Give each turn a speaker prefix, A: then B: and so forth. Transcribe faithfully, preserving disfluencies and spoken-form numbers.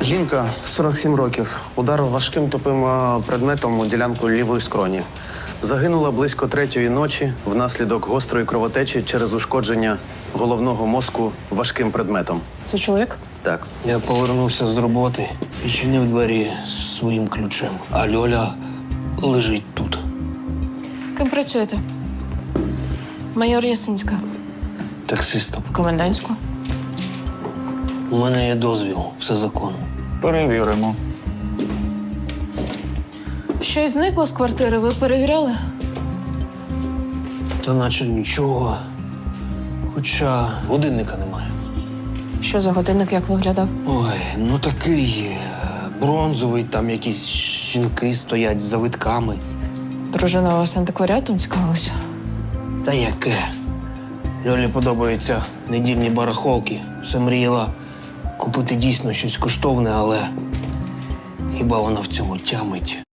A: Жінка, сорок сім років, ударив важким тупим е, предметом у ділянку лівої скроні. Загинула близько третьої ночі внаслідок гострої кровотечі через ушкодження головного мозку важким предметом.
B: Це чоловік?
A: Так.
C: Я повернувся з роботи, відчинив двері своїм ключем, а Льоля лежить тут.
B: Ким працюєте? Майор Ясинська.
C: Таксистом.
B: В комендантську.
C: У мене є дозвіл, все законно.
D: Перевіримо.
B: Щось зникло з квартири, ви перевіряли?
C: Та наче нічого. Хоча годинника немає.
B: Що за годинник, як виглядав?
C: Ой, ну такий е, бронзовий, там якісь жінки стоять з завитками.
B: Дружина у вас антикваріатом цікавилася?
C: Та яке? Льолі подобаються недільні барахолки. Все мріяла купити дійсно щось коштовне, але хіба вона в цьому тямить?